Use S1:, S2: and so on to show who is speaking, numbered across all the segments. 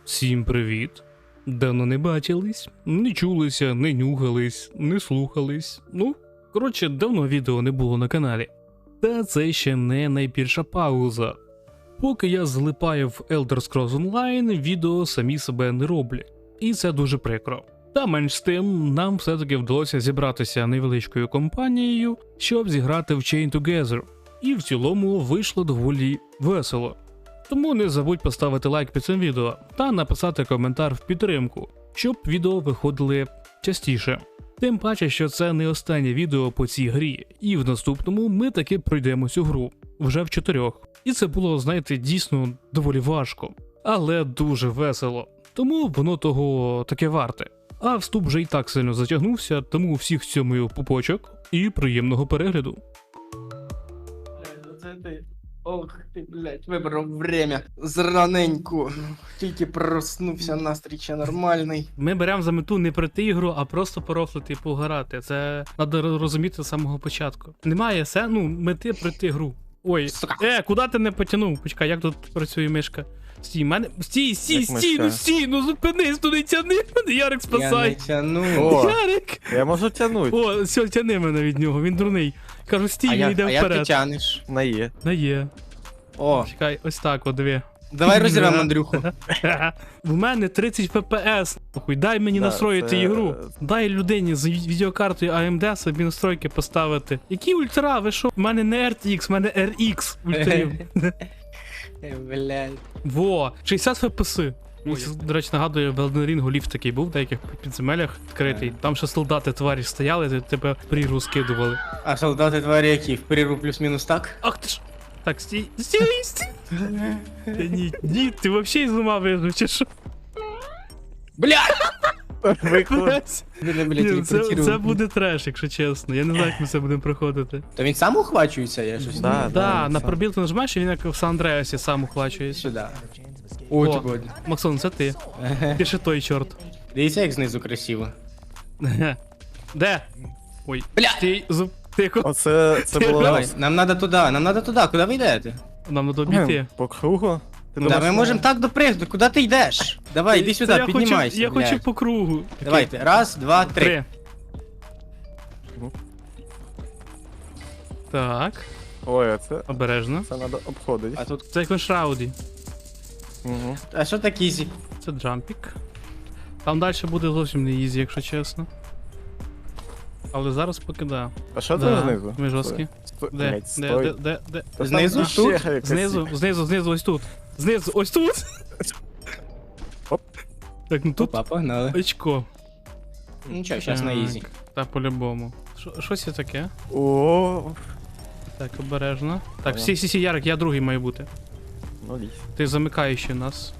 S1: Всім привіт! Давно не бачились, не чулися, не нюхались, не слухались. Ну, коротше, давно відео не було на каналі. Та це ще не найбільша пауза. Поки я злипаю в Elder Scrolls Online, відео самі себе не роблять. І це дуже прикро. Та менш з тим, нам все-таки вдалося зібратися невеличкою компанією, щоб зіграти в Chain Together. І в цілому вийшло доволі весело. Тому не забудь поставити лайк під цим відео та написати коментар в підтримку, щоб відео виходили частіше. Тим паче, що це не останнє відео по цій грі, і в наступному ми таки пройдемо цю гру, вже в 4. І це було, знаєте, дійсно доволі важко, але дуже весело, тому воно того таке варте. А вступ вже і так сильно затягнувся, тому всіх цьомую пупочок і приємного перегляду.
S2: Це ти. Ох ти, блядь, вибрав время. Зраненьку. Тільки проснувся, настрій ще нормальний.
S1: Ми беремо за мету не пройти ігру, а просто порофлити і пограти. Це треба розуміти з самого початку. Немає мети пройти гру. Ой,
S2: Сука.
S1: Куди ти не потягнув? Почекай, як тут працює мишка? Стій, мене. Стій, ну зупинись, туди тяни мене, Ярик,
S2: Я не
S1: спасай.
S2: тяну.
S3: О,
S1: Ярик!
S3: я можу тягнути.
S1: О, все, тяни мене від нього, він дурний. Кажу, стій, він йде
S2: А як ти
S1: вперед.
S2: тянеш?
S3: На Є.
S1: На є.
S2: О,
S1: Чекай, ось так, о, диви.
S2: давай розірвемо Андрюху.
S1: В мене 30 FPS. Нахуй, дай мені
S3: Да,
S1: настроїти
S3: це-
S1: ігру. Дай людині з відеокартою AMD собі настройки поставити. Які ультра? Ви що? У мене не RTX, у мене RX ультрів.
S2: Блядь.
S1: Во, 60 FPS. До речі, нагадую, в Elden Ring ліфт такий був в деяких підземеллях відкритий. Там ще солдати тварі стояли, тебе прірву скидували.
S2: А солдати тварі які? В прірву плюс-мінус так?
S1: Ах ти ж! Так, стій. Та ні, ти взагалі з ума вижив, чи що?
S2: Блядь!
S3: Виклик.
S1: Ні, це буде треш, якщо чесно. Я не знаю, як ми це будемо проходити.
S2: То він сам ухвачується, я щось
S3: Да.
S2: не...
S1: Да, на пробіл ти нажимаєш, і він як в Сан-Андреасі сам ухвачується.
S2: Сюди. О,
S1: О.
S2: чого?
S1: Максон, це ти. Ти ще той чорт.
S2: Дивіться, як знизу красиво.
S1: Де? Ой,
S2: Бля!
S1: стій, тихо.
S3: Оце було.
S2: Давай, нам надо туди, куди ви йдете?
S1: Нам надо обійти.
S3: По кругу. Ти
S2: Да,
S3: думаєш,
S2: ми можемо так допригнути, куди ти йдеш? Давай, іди
S1: Це
S2: сюди, піднімайся.
S1: Я хочу
S2: блядь.
S1: по кругу.
S2: Давайте, раз, два, три.
S1: 3. Так,
S3: Ой, а це
S1: обережно.
S3: треба обходити.
S2: А тут.
S1: Це як на шрауді.
S3: Угу.
S2: А що так ізі?
S1: Це джампік. Там далі буде зовсім не ізі, якщо чесно. Але зараз поки да.
S3: А що
S1: Да,
S3: там знизу?
S1: ми жорсткі.
S3: Стой.
S1: Де?
S3: Блядь,
S1: Де?
S3: стой.
S1: Де?
S3: Та там
S2: Знизу?
S3: ще
S2: Тут?
S3: якась-
S1: Знизу, ось тут. Знизу, ось тут.
S3: Оп.
S1: Так, ну тут
S2: Опа, погнали.
S1: очко.
S2: Нічого, зараз на ізі.
S1: Та по-любому. Що це таке?
S3: О,
S1: Так, обережно. Так,
S3: Ага.
S1: всі, Ярик, я другий маю бути.
S3: ну лізь.
S1: Ти замикаючий нас.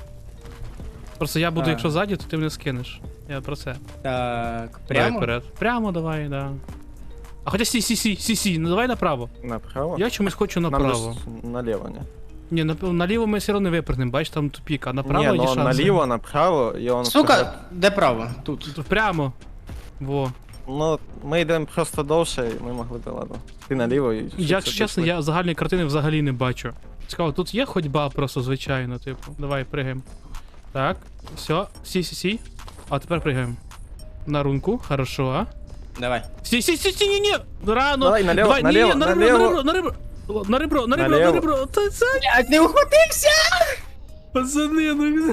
S1: Просто я буду,
S2: А.
S1: якщо ззаді, то ти мене скинеш. Я про це.
S2: Так,
S1: Давай
S2: прямо?
S1: вперед. Прямо давай, да. А хоча сі, ну давай направо.
S3: Направо?
S1: Я чомусь хочу
S3: Нам
S1: направо.
S3: же ж наліво, ні?
S1: Ні, наліво ми все одно не випрыгнемо, бачиш, там тупік, а направо
S3: Ні,
S1: є
S3: ну
S1: шанси.
S3: наліво, направо, і он вперед.
S2: Сука, де право? Тут.
S1: Тут прямо. Во.
S3: Ну, ми йдемо просто довше, і ми могли би, ладно. Ти наліво і...
S1: Якщо чесно, я загальної картини взагалі не бачу. Цікаво, тут є ходьба просто звичайно, типу. Давай, пригаємо. Так, все, сі. А тепер пригаємо. На рунку, хорошо.
S2: Давай.
S1: Сі, ні. Рано.
S3: Давай, наліво,
S1: ні,
S3: наліво,
S1: на ребро.
S3: Наліво.
S1: Та це,
S2: Блядь, не ухватився!
S1: пацани, ну.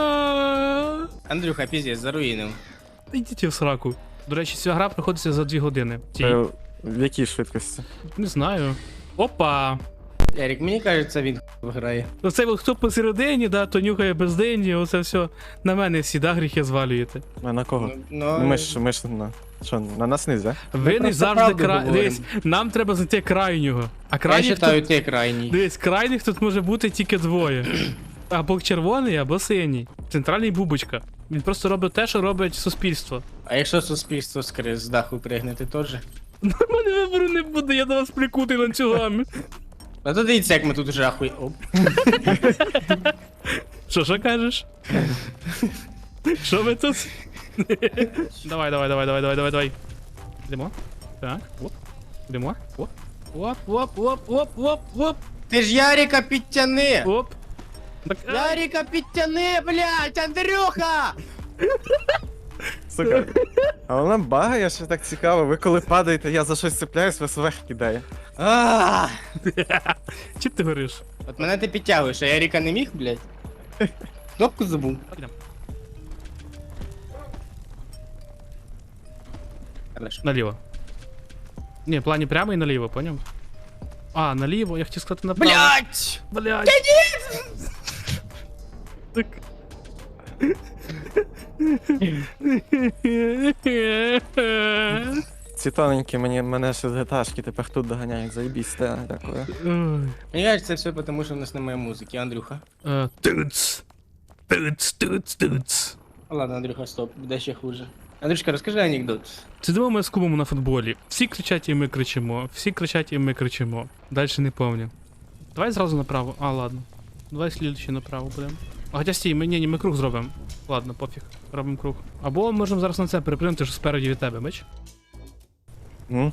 S2: Андрюха, піздець, заруїнив.
S1: Ідіть в сраку. До речі, ця гра проходиться за 2 години.
S3: В якій швидкості?
S1: Не знаю. Опа.
S2: Ярик, мені кажеться, він виграє.
S1: Оце от хто посередині, да, то нюхає безденні, оце все на мене всі, да, гріхи звалюєте.
S3: А на кого?
S2: Ну,
S3: Ми ж на... Що, на нас нельзя?
S1: Ви не
S2: просто
S1: завжди
S2: правду говоримо.
S1: Дивись, нам треба знайти крайнього. А
S2: я
S1: крайніх
S2: вважаю,
S1: тут...
S2: ти крайній.
S1: Дивись, крайніх тут може бути тільки двоє. Або червоний, або синій. Центральний бубочка. Він просто робить те, що робить суспільство.
S2: А якщо суспільство з даху пригнути теж?
S1: У мене вибору не буде, я до вас прикутий ланцюгами.
S2: А то дивіться, як ми тут вже ахуй. Оп.
S1: Що кажеш? Що ви тут? Давай. Йдемо. Так, оп. Йдемо. Оп. Оп.
S2: Ти ж Ярика підтяни!
S1: Оп. Так,
S2: Ярика, підтяни, блядь, Андрюха!
S3: Сука. А вона багає, що так цікаво. Ви коли падаєте, я за щось цепляюсь, вас вверх кидає.
S2: А,
S1: Чим ти говориш?
S2: От мене ти підтягуєш, а Ярика не міг, блядь? Кнопку забув.
S1: Ідем.
S2: Хорошо.
S1: Наліво. Ні, в плані прямо і наліво, поняв? А, наліво, я хотів сказати направо.
S2: Блядь!
S1: Блядь! Так.
S3: Ці тоненькі мене ще з геташки тепер тут доганяють, заєбісь, те, дякую.
S1: Ой.
S2: Мені кажуть, це все тому, що в нас немає музики, Андрюха.
S1: Туц. Туц, туц, туц.
S2: Ладно, Андрюха, стоп, буде ще хуже. Андрюшка, розкажи анекдот.
S1: Сидимо ми з кубом на футболі. Всі кричать і ми кричимо. Всі кричать і ми кричимо. Дальше не помню. Давай зразу направо. А, ладно. Давай слідчий направо будемо. А хоча стій, ми круг зробимо. Ладно, пофіг. Робимо круг. Або можемо зараз на це перепринути, що спереді від тебе, бач?
S3: Ну,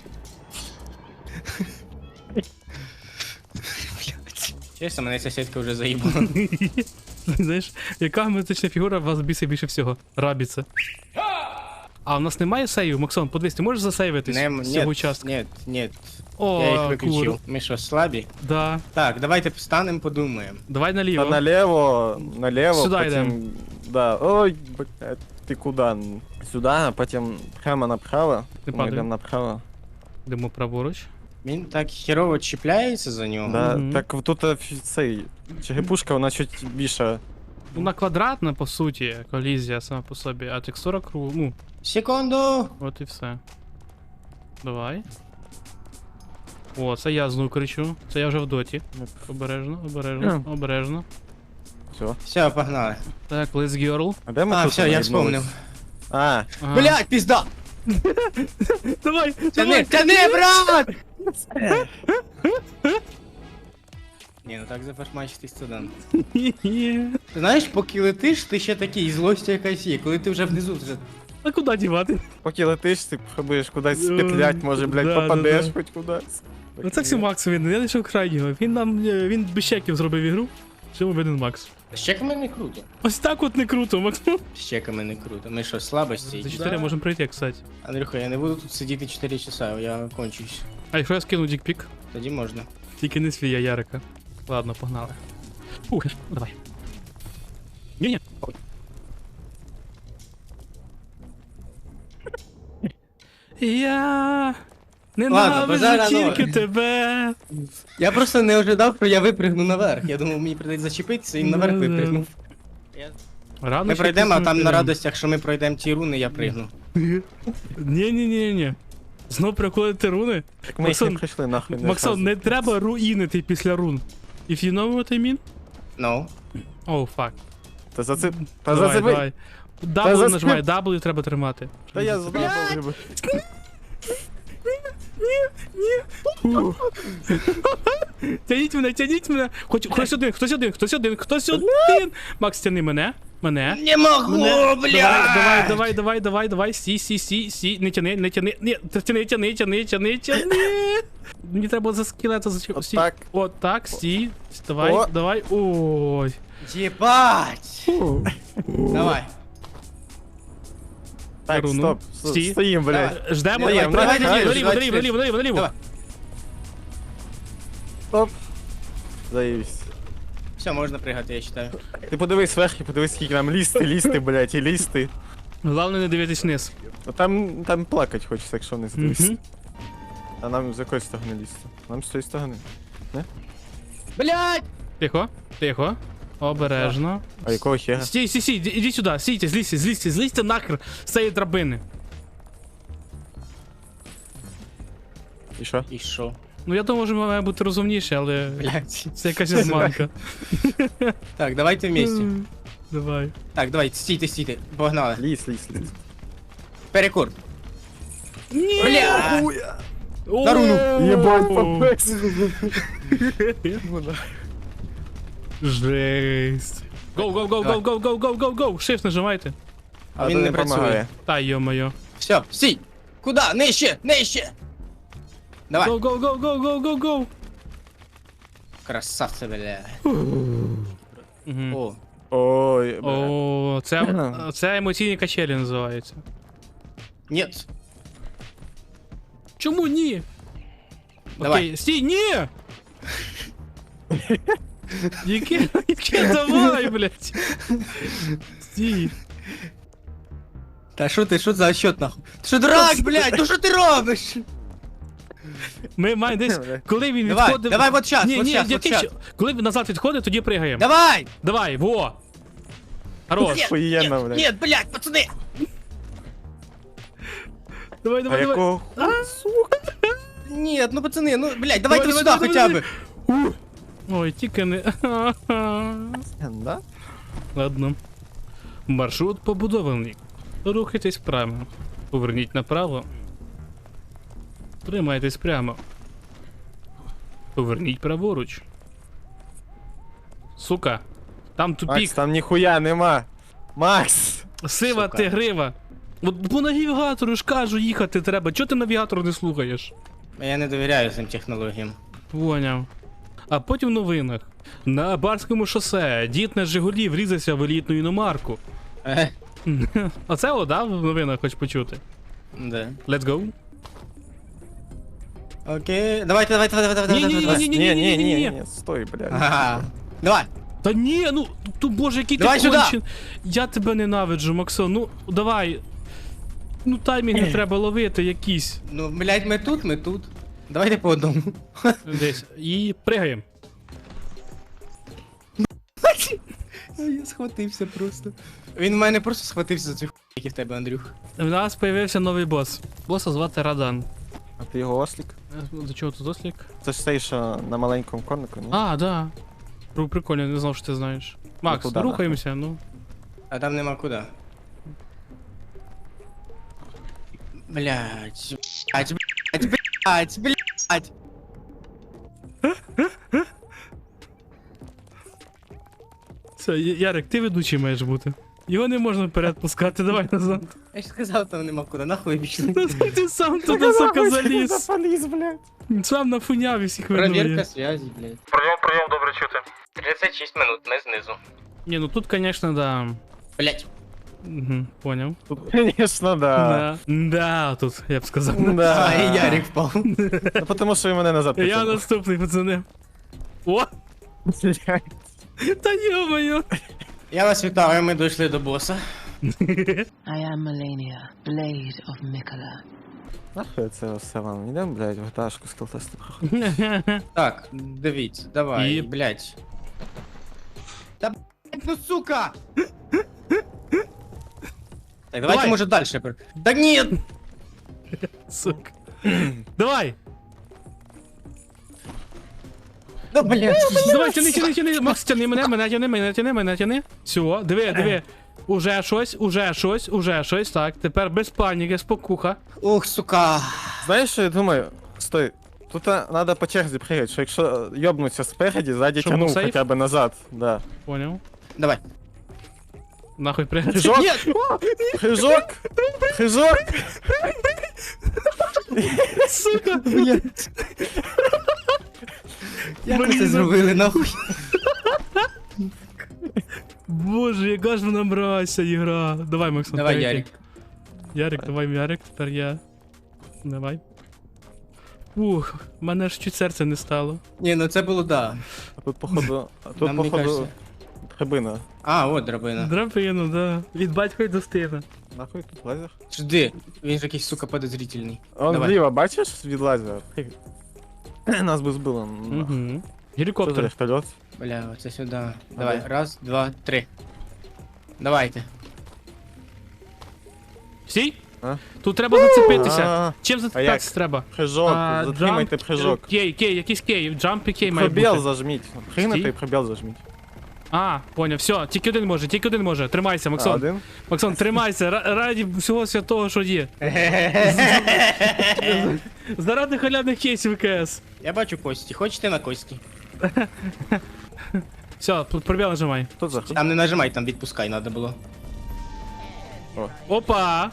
S2: Чесно, мене сусідка вже заїбала.
S1: Знаєш, яка геометрична фігура вас бісить більше всього? Рабіце. А у нас немає сейвів, Максон, подивись, ти можеш засейвитись з цього участка?
S2: Нет.
S1: О,
S2: Я їх виключив.
S1: кур.
S2: Ми що, слабі?
S1: Да.
S2: Так, давайте встанемо, подумаємо.
S1: Давай
S3: та
S1: наліво.
S3: наліво,
S1: Сюди
S3: потім...
S1: йдем.
S3: Да, ой, блядь, ти куди? Сюди, а потім прямо направо.
S1: Не
S3: Ми
S1: падай.
S3: йдемо направо.
S1: Йдемо праворуч.
S2: Він так херово чіпляється за нього.
S3: Да,
S1: Мгм.
S3: так тут цей, черепушка, вона чуть більше.
S1: Вона квадратна, по суті, колізія сама по собі, а текстура кругу. Ну,
S2: Секунду!
S1: от і все. Давай. О, це я знову кричу. Це я вже в доті. Обережно, обережно, обережно.
S3: Все.
S2: Все, погнали.
S1: Так, let's girl.
S3: А де ми
S2: А,
S3: тут
S2: все, я
S3: наїбнулись?
S2: вспомнив.
S3: А,
S1: Ага.
S2: Блядь, пізда!
S1: Давай,
S2: Тяни, тяни, брат! Ні, ну так зафашмачити студент.
S1: Ні.
S2: Ти знаєш, поки летиш, ти ще такий, злость якась є. Коли ти вже внизу, вже...
S1: А куди дівати?
S3: поки летиш, ти пробуєш кудись спетлять, може, блядь,
S1: Да,
S3: попадеш
S1: да.
S3: хоч кудись.
S1: Ну це все Макс він, я лише крайнього. Він нам, він без чеків зробив ігру. Чому один Макс?
S2: З чеками не круто.
S1: Ось так от не круто, Макс.
S2: З чеками не круто. Ми що, слабості?
S1: За 4 можемо пройти, кстати.
S2: Андрюха, я не буду тут сидіти 4 часа, я кончусь.
S1: А якщо я скину дікпік?
S2: Тоді можна.
S1: Тільки не свій, а Ярика. Ладно, погнали. Ух, давай. Ні-ні. Я
S2: Ладно, базара
S1: ненавижу
S2: ноль.
S1: тільки тебе.
S2: Я просто не ожидав, що я випригну наверх. Я думав, мені прийдеться зачепитися і наверх
S1: Да-да.
S2: випригнув.
S1: Рано
S2: Ми
S1: чи
S2: пройдемо, а
S1: пізно
S2: там на
S1: підемо.
S2: радостях, що ми пройдемо ті руни, я пригну.
S1: Ні. Знов приходити руни?
S3: Так ми їх не прийшли нахуй.
S1: Максон, не треба руїнити після рун. If you know what I mean?
S2: Ну.
S1: Oh, fuck.
S3: Та за це... Та
S1: Давай,
S3: за це...
S1: давай. W
S3: за
S1: нажимай, W треба тримати.
S3: Та я забув.
S1: Тяніть мене. Хтось один. Макс, тяни мене.
S2: Не могу,
S1: Давай. Сі. Не тяни. Ні, тяни. Мені треба за скелета зачепити.
S3: Отак.
S1: Отак, стій.
S3: О.
S1: Давай. Ой.
S2: Єбать! Давай.
S3: Так,
S1: Руну.
S3: стоп.
S1: Стій.
S3: Стоїм, блядь.
S1: Ждемо.
S2: Давай,
S1: Давай,
S2: давай,
S1: наліво.
S2: Давай.
S3: Стоп. Заївсь.
S2: Все, можна пригати, я вважаю.
S3: Ти подивись вверх і подивись, скільки нам лізти, блядь, і лізти.
S1: Головне не дивитись вниз.
S3: Ну там плакать хочеться, якщо не здивишся.
S1: Мгм.
S3: А нам з якої сторони лізти? Нам з цієї сторони.
S2: Блядь!
S1: Тихо. Обережно.
S3: А якого хера?
S1: Стій, іди сюди, стійте, злізьте нахер з цієї драбини.
S3: І що?
S2: І що?
S1: Ну я думаю, що має бути розумніше, але
S2: Блядь.
S1: це якась обманка.
S2: Так, давайте вместе.
S1: Давай.
S2: Так, давай, стійте. Погнали.
S3: Ліз.
S2: Перекур. Бля!
S1: На
S2: руну.
S3: Єбать, попець.
S1: Жесть. Go. Shift нажимайте.
S2: А він не працює.
S3: помагає.
S1: Та йо-моє.
S2: Все, стій! Куда? Нижче! Давай.
S1: Go.
S2: Красавце, бля.
S1: Мгм.
S2: О.
S3: Ой, бля.
S1: О, це емоційні качелі називаються.
S2: Нет.
S1: Чому ні?
S2: Давай.
S1: Окей, стій, ні! Яке давай, блядь? Стій.
S2: Та що ти, що за счет нахуй? Ти що дурак, блядь, ну що ти робиш?
S1: Ми маємо десь, коли він
S2: Давай,
S1: відходив...
S2: давай вот щас,
S1: Ні,
S2: вот
S1: ні,
S2: щас, вот
S1: який
S2: щас.
S1: ще- коли він назад відходить, тоді пригаємо.
S2: Давай!
S1: Давай, во! Хорош.
S3: Охуєнно, блядь.
S2: Нет, блядь, пацаны!
S1: Давай,
S3: А
S1: давай, давай.
S3: якого
S2: Нет, ну пацаны, ну, блядь, давайте
S1: Давай,
S2: сюда
S1: давай,
S2: хотя
S1: давай,
S2: бы.
S1: Ой, тільки не...
S3: Да?
S1: Ладно. Маршрут побудований. Рухайтесь прямо. Поверніть направо. Тримайтесь прямо. Поверніть праворуч. Сука. Там
S3: Макс,
S1: тупік.
S3: там ніхуя нема. Макс!
S1: Сива
S2: сука.
S1: тигрива. От по навігатору ж кажу, їхати треба. Чого ти навігатор не слухаєш?
S2: Я не довіряю цим технологіям.
S1: Поняв. А потім в новинах. На Барському шосе дід на Жигулі врізався в елітну іномарку. Оце о, да, в новинах хоч почути.
S2: Да.
S1: Let's go.
S2: Окей, давайте, давай.
S3: Ні, стой, блядь.
S2: Ага. Давай.
S1: Та ні, ну, ту боже, який
S2: Давай
S1: ти
S2: сюди!
S1: кончен. Я тебе ненавиджу, Максон, ну, давай. Ну, таймінги треба ловити якісь.
S2: Ну, блядь, ми тут. Давайте по одному.
S1: Десь. І пригаємо.
S2: Я схватився просто. Він в мене просто схватився за цю хуй, який в тебе, Андрюх.
S1: У нас появився новий бос. Боса звати Радан.
S3: А ти його ослік?
S1: До чого тут ослік?
S3: Це ж цей, що на маленькому конику, ні?
S1: А, да. Прикольно, не знав, що ти знаєш. Макс,
S3: куди
S1: рухаємося, ну.
S2: А там нема куди. Блядь, блядь.
S1: Все, Ярик, ти ведучий маєш бути. Його не можна вперед пускати, давай назад.
S2: Я ж сказав, там нема куди, нахуй пішли.
S1: Ти сам туди, сука, заліз.
S3: Запаліз, блядь.
S1: Сам нафуняв і всіх
S2: Проверка
S1: винує.
S2: связи, блядь.
S3: Прийом, добре чути.
S2: 36 минут, ми знизу.
S1: Ні, ну тут, конечно, да.
S2: Блядь.
S1: Угу, поняв.
S3: Тут, звісно, да.
S1: Да, тут, я б сказав.
S3: Да.
S2: А, і Ярик впав.
S3: Ну, тому що він мене назад
S1: Я
S3: потягнув.
S1: наступний, пацани. О!
S3: Блядь.
S1: Та йо-моє!
S2: Я вас вітаю, ми дійшли до боса.
S4: I am Melania, Blade of Mikola.
S3: Нахуй це все вам? Йдемо, блядь, в гташку з кілтестом.
S2: Так, дивіться, давай,
S1: І-
S2: блядь. Та блядь, ну сука! Так, давайте,
S1: Давай.
S2: може, дальше. Да ні!
S1: Сука. Давай!
S2: Да, блядь.
S1: Давай, тяни, Макс, тяни мене тяни. Все, диви. Уже щось, так. Тепер без паніки, спокуха.
S2: Ох, сука.
S3: Знаєш, що я думаю? Стой. Тут треба по черзі пригати, що якщо йобнуться спереді, ззаді
S1: Щоб
S3: тягнув
S1: був сейф?
S3: хоча б назад. Да.
S1: Поняв.
S2: Давай.
S1: Нахуй пригай.
S3: Прыжок!
S2: Ні!
S3: Прыжок! Прыжок!
S1: Сука!
S2: Блядь. Як ви це
S1: Блін.
S2: зробили, нахуй?
S1: Боже, яка ж вона мразься ігра. Давай, Максон.
S2: Давай,
S1: третій.
S2: Ярик.
S1: Ярик, давай, Ярик, тепер я. Давай. Ух, в мене ж чуть серце не стало.
S2: Ні, ну це було да.
S3: А тут походу. А тут
S2: Нам не
S3: походу.
S2: кажеться.
S3: Драбина.
S2: А, от драбина.
S1: Драпину, да. Від батька й до стина.
S3: Нахуй тут лазер?
S2: Жди, він ж якийсь, сука, подозрительний.
S3: Он
S2: Давай.
S3: зліва, бачиш від лазера? Нас би збило. Нахуй.
S1: Угу.
S3: Що за
S1: Гелікоптер.
S3: вертольот?
S2: Бля, оце сюди. Давай,
S3: Давай.
S2: раз, два, три. Давайте.
S1: Стій?
S3: А?
S1: Тут треба зацепитися.
S3: А,
S1: Чим зацепитися треба?
S3: Прыжок, затримайте прыжок.
S1: Кей, якийсь кей, джамп і кей має
S3: Пробіл
S1: бути.
S3: зажміть. Пригнути
S1: Стій.
S3: і пробіл зажміть.
S1: А, поняв, все, тільки один може. Тримайся,
S3: А,
S1: Максон.
S3: один?
S1: Максон, тримайся, раді всього святого, що є. Заради халявних кейсів КС.
S2: Я бачу кості. Хочете на кості?
S1: Все, пробіл нажимай.
S3: Тут за
S2: Там не нажимай, там відпускай надо було.
S1: Опа!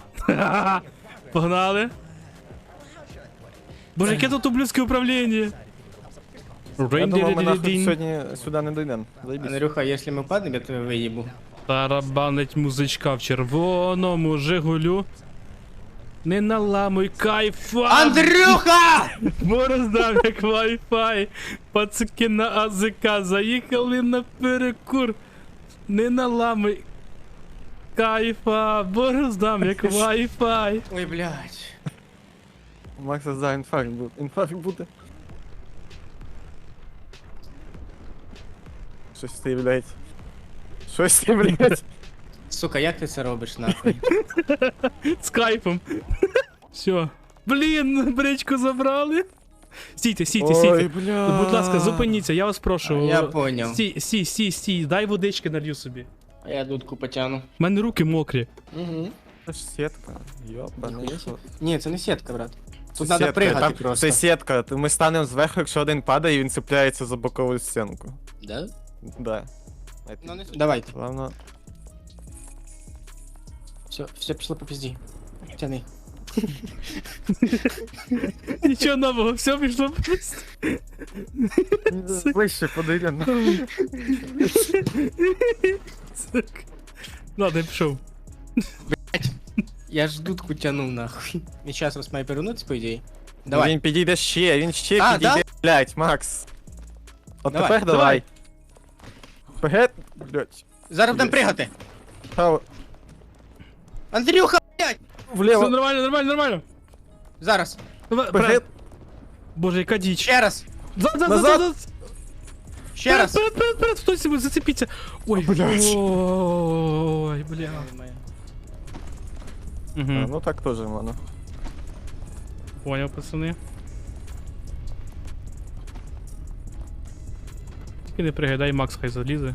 S1: Погнали. Боже, яке тут ублюдське управління.
S3: Я думав, ми нахуй
S1: Рин-дин-дин-дин.
S3: сьогодні сюди не дійдемо. Заєбісь.
S2: Андрюха, якщо ми впадемо, я тебе виїбу.
S1: Тарабанить музичка в червоному Жигулю. Не наламуй кайфа!
S2: Андрюха!
S1: Бороздав як Wi-Fi. Пацики на АЗК заїхали на перекур. Не наламуй кайфа. Бороздав як Wi-Fi.
S2: Ой, блядь.
S3: У Макса за інфаркт буде. Інфаркт буде. Щось ти, блядь. Щось ти, блядь.
S2: Сука, як ти це робиш, нахуй?
S1: З кайфом. Все. Блін, бричку забрали. Стійте, стійте,
S3: Ой,
S1: стійте.
S3: бля.
S1: Будь ласка, зупиніться, я вас прошу.
S2: Я поняв.
S1: Стій, дай водички налью собі.
S2: А я дудку потягну.
S1: У мене руки мокрі.
S2: Угу.
S3: Це ж сітка. Йобаний. що.
S2: Ні, це не сітка, брат. Тут
S3: Це
S2: треба
S3: сітка,
S2: пригати
S3: там-
S2: просто.
S3: Це сітка. Ми станемо зверху, якщо один падає, і він цепляється за бокову стінку.
S2: Да?
S3: Да.
S2: Ну, не давайте.
S3: Главное.
S2: Все пішло по пізді. Тяни.
S1: Нічого нового, все пішло просто.
S3: Ближче подойдем.
S1: Сука. Ладно, я пішов.
S2: Я ж дудку тянув, нахуй. І зараз вас має перевернутися, по ідеї. Давай.
S3: Він підійде ще, він ще
S2: А,
S3: підійде, блядь, Макс. От
S2: Давай,
S3: тепер давай. Вперед, блядь.
S2: Зараз будемо пригати.
S3: Право,
S2: Андрюха, блядь!
S1: Все
S3: вліво,
S1: нормально.
S2: Зараз.
S1: Давай,
S3: вперед.
S1: Боже, яка діч.
S2: Ще раз.
S1: Назад.
S2: Ще раз.
S1: Вперед, хтось себе зацепіться. Ой,
S3: Блядь.
S1: Ой, бля.
S3: А,
S1: Угу.
S3: ну так теж можна.
S1: Понял, пацани. Тільки не пригадай, Макс хай залізе.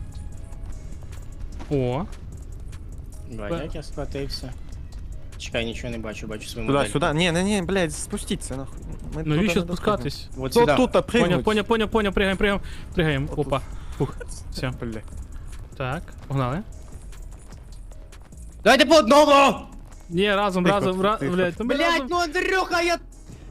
S1: О,
S2: Бать, як я схватився. Чекай, нічого не бачу, бачу свою
S3: Сюда,
S2: модель.
S3: сюда. Не, блядь, спустіться нахуй. Ми
S1: навіщо
S3: туди не
S1: спускатись?
S2: Вот
S3: доходимо.
S2: сюди.
S3: Тут пригнуть.
S1: Понял, пригаємо.
S3: Отут.
S1: Опа. Фух, все.
S3: Блядь.
S1: Так, погнали.
S2: Давайте по одному!
S1: Ні, разом,
S3: Тихо.
S1: блядь, ну ми
S2: Блять,
S1: разом.
S2: ну Андрюха, я...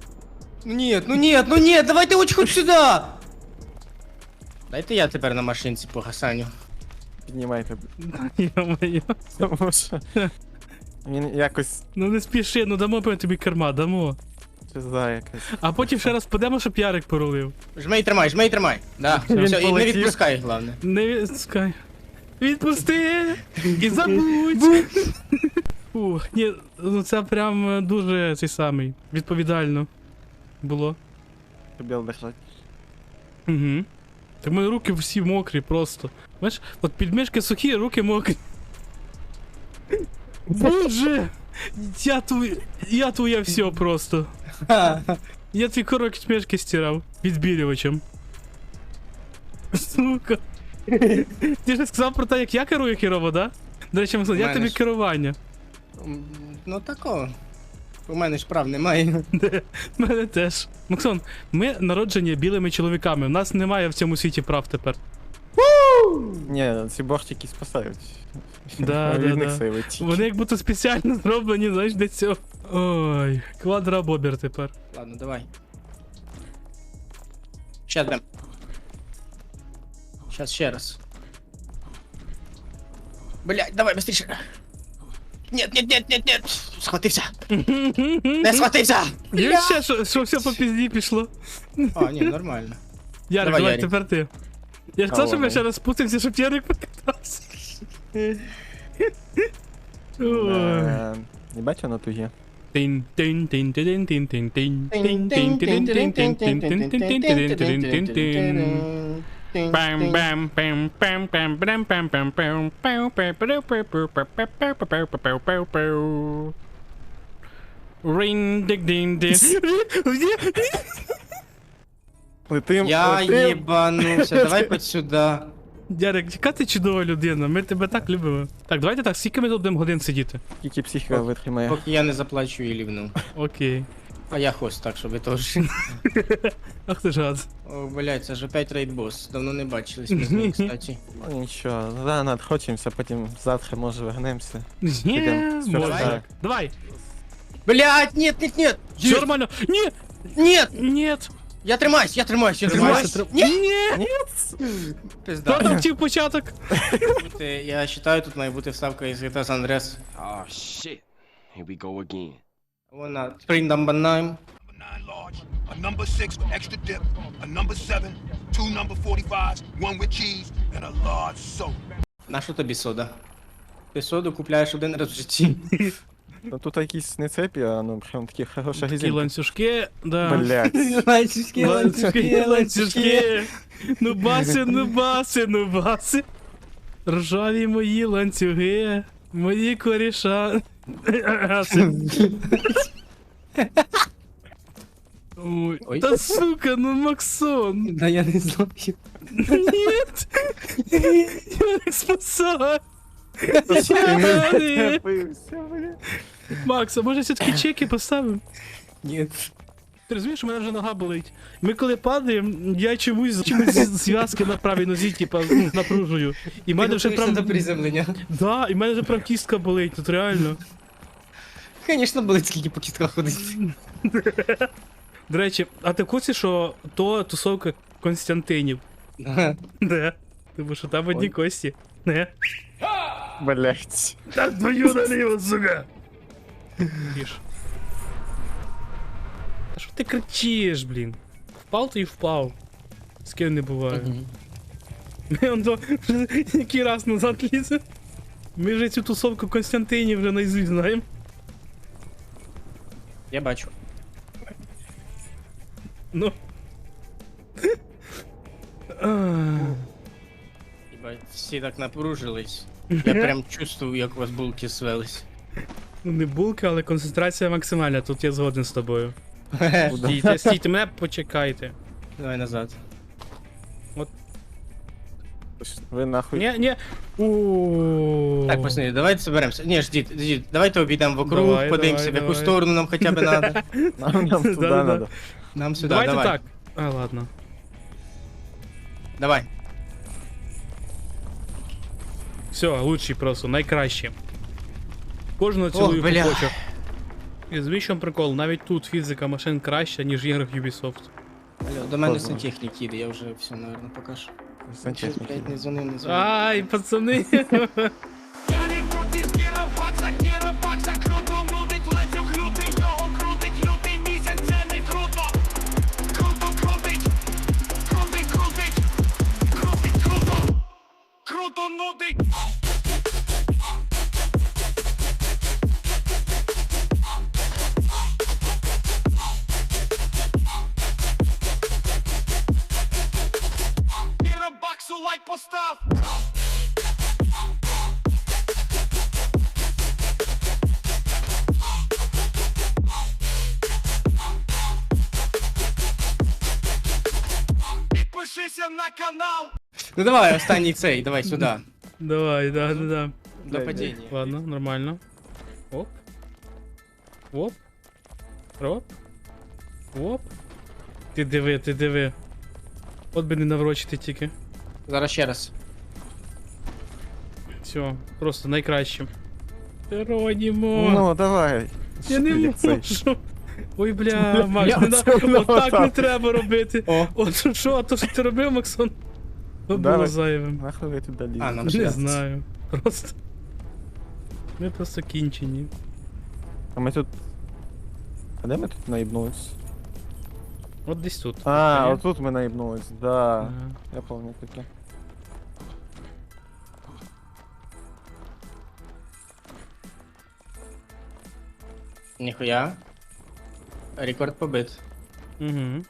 S2: Ну нет, давайте хоть сюда! Дайте я тепер на машинці по Гасаню.
S3: Піднімайте.
S1: Йо-моє.
S3: Тому що він якось
S1: Ну не спіши, ну дамо тобі керма, дамо.
S3: пизда якась.
S1: А потім ще раз підемо, щоб Ярик порулив.
S2: Жмей, тримай. Да,
S3: Він
S2: все, і не
S3: полетів.
S2: відпускай, головне.
S1: Не відпускай. Відпусти! І забудь! Фух, ні, ну це прям дуже цей самий. Відповідально було.
S3: Хотів держать.
S1: Угу. Так в мене руки всі мокрі просто. Знаєш, от підмишки сухі, руки мокрі. Боже! Я твоє все просто. Я твій підмишки стирав відбілювачем. Сука. Ти ж сказав про те, як я керую керово, да? До речі, Максон, як
S2: мене
S1: тобі
S2: ж-
S1: керування?
S2: Ну тако. У мене ж прав немає.
S1: В мене теж. Максон, ми народжені білими чоловіками. У нас немає в цьому світі прав тепер.
S3: Ні, ці бортики спасають.
S1: Да,
S3: Від
S1: да,
S3: них
S1: да.
S3: сейвить.
S1: Вони як будто спеціально зроблені, знаєш, для цього. Ой, квадрабобер тепер.
S2: Ладно, давай. Щас дам. Щас ще раз. Блять, давай быстріше. Нет. Схватився. Не схватився.
S1: Є ще, що все по пізді пішло.
S2: А, ні, нормально.
S1: Ярик,
S2: Давай,
S1: давай,
S2: Ярик.
S1: тепер ти. Я ж казав, щоб я
S3: ладно.
S1: ще раз спустився, щоб Ярик покатався. Ой.
S3: Не бачу на тугі.
S1: Тин тин тин тин тин тин тин тин тин тин тин тин тин тин тин тин тин тин тин тин. Bam bam bam bam bam bam bam bam bam bam bam bam bam bam bam bam bam. Ring dig ding ding.
S3: Летим,
S2: Я
S3: летим.
S2: їбанувся, давай хоть сюди.
S1: Ярик, яка ти чудова людина, ми тебе так любимо. Так, давайте так, скільки ми тут будемо годин сидіти?
S3: Тільки психіка витримає.
S2: Поки я не заплачу і лівну.
S1: Окей.
S2: А я хост, так, щоб ви теж.
S1: Ах ти ж гад.
S2: О, блять, це ж опять рейдбос. Давно не бачились ми з ним, кстати.
S3: Ну нічого, да, надхочемося, потім завтра може вернемося.
S1: Ні,
S3: Підем.
S1: можна.
S3: Так.
S1: Давай.
S2: Блять, нет.
S1: Все нормально. Ні,
S2: Нет!
S1: нет.
S2: Я тримаюсь.
S1: Тримайся, Ні!
S2: Пизда.
S1: Хто там втів початок?
S2: Я вважаю, тут має бути вставка із GTA San Andreas.
S5: Oh shit. Here we go again.
S2: Вона Spring number 9.
S6: 9 large, a number 6 with extra dip, a number 7, 2 number 45s, one with cheese, and a large soda.
S2: На що тобі сода? Ти соду купляєш один раз в житті.
S3: Ну тут якісь не цепі, а ну прям такі хороша
S1: Такі
S3: резинка.
S1: ланцюжки, да.
S3: Блять.
S1: Ланцюжки. Ну баси. Ржаві мої ланцюги. Мої коріша. Ой,
S2: Ой.
S1: та сука, ну Максон.
S2: Да я не знаю.
S1: Нет. Ярик, спасай. Макс, а може все-таки чеки поставимо?
S2: Ні.
S1: Ти розумієш, у мене вже нога болить. Ми коли падаємо, я чомусь зв'язки на правій нозі, типа, напружую. І в мене вже прям...
S2: до приземлення.
S1: Да, і в мене вже прям кістка болить, тут реально.
S2: Звісно, болить, скільки по кістках ходить.
S1: До речі, а ти в курсі, що то тусовка Константинів? Да. Тому що там одні кості. Не.
S3: Блять.
S1: Так твою наліво, сука! Тише. Та що ти кричиш, блін? Впав то і впав. З ким не буває. Ми он то який раз назад лізе. Ми вже цю тусовку Константинів вже наизусть знаємо.
S2: Я бачу.
S1: Ну.
S2: Єбать, всі так напружились. Я прям чувствую, як у вас булки свелись.
S1: Ну не булка, але концентрація максимальна, тут я згоден з тобою. Стійте, мене почекайте.
S2: Давай назад.
S3: Ви нахуй.
S1: Ні. О.
S2: Так, пацани, давайте соберемося. Ні, ждіть, давайте обійдемо вокруг,
S1: Давай,
S2: подивимося, в яку
S1: давай.
S2: сторону нам хоча б надо.
S3: Нам туди
S1: Да-да-да.
S3: надо.
S2: Нам сюди,
S1: Давайте
S2: давай.
S1: так. А, ладно.
S2: Давай.
S1: Все, лучший просто, найкраще. Кожного цілую
S2: бля.
S1: хочу. І звісно прикол, навіть тут фізика машин краща, ніж в іграх Ubisoft.
S2: Алло, до мене
S3: Ладно.
S2: сантехнік їде, я вже все, наверное, покажу. Щось, блядь, не дзвонив, не дзвонив.
S1: Ай, пацани.
S6: Круто нудить! І на баксу лайк постав! Підпишися на канал!
S2: Ну давай, останній цей, давай сюди.
S1: Давай, да.
S2: До падіння.
S1: Ладно, нормально. Оп. Оп. Оп. Оп. Ти диви. От би не наврочити тільки.
S2: Зараз ще раз.
S1: Все, просто найкраще. Геронімо.
S3: Ну, давай.
S1: Я не
S3: Як цей.
S1: можу. Ой, бля, Макс,
S3: Я
S1: не на...
S3: це не
S1: отак не
S3: отак.
S1: треба робити.
S2: О.
S1: От що, а то що ти робив, Максон? То було
S3: Давай.
S1: зайвим.
S3: Нахуй ви туди лізете?
S2: А, нам
S1: Не
S2: ще.
S1: знаю. Просто. Ми просто кінчені.
S3: А ми тут. А де ми тут наїбнулись?
S1: От десь тут.
S3: А,
S1: Ні?
S3: отут ми наїбнулись, да.
S1: Ага.
S3: Я пам'ятаю таке.
S2: Ніхуя. Рекорд побит.
S1: Угу.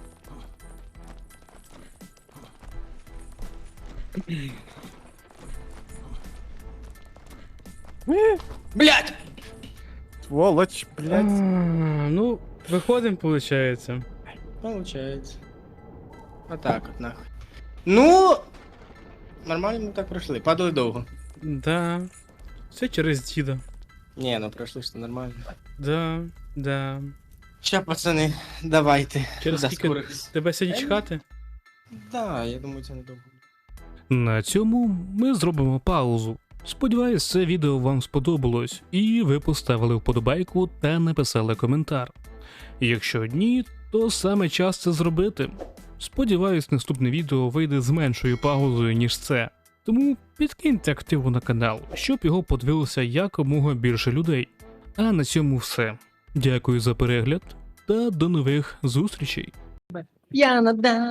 S2: Блять!
S3: Сволоч, блядь.
S1: Ну, виходимо, виходить.
S2: Получается. Отак от нахуй. Ну. Нормально ми так пройшли. Падали довго.
S1: Да. Все через діда.
S2: Ні, ну пройшли що нормально.
S1: Да.
S2: Ща, пацани, давайте.
S1: Через
S2: До
S1: скільки
S2: скорих.
S1: тебе сьогодні чекати?
S2: Да, я думаю, це недовго.
S1: На цьому ми зробимо паузу. Сподіваюсь, це відео вам сподобалось, і ви поставили вподобайку та написали коментар. Якщо ні, то саме час це зробити. Сподіваюсь, наступне відео вийде з меншою паузою, ніж це. Тому підкиньте активу на канал, щоб його подивилося якомога більше людей. А на цьому все. Дякую за перегляд та до нових зустрічей.
S2: Я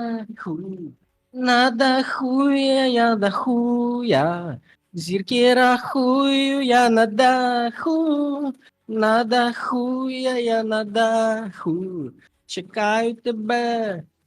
S2: на даху, я дахуя. Зірки рахую, я на даху, я на даху. Чекаю тебе,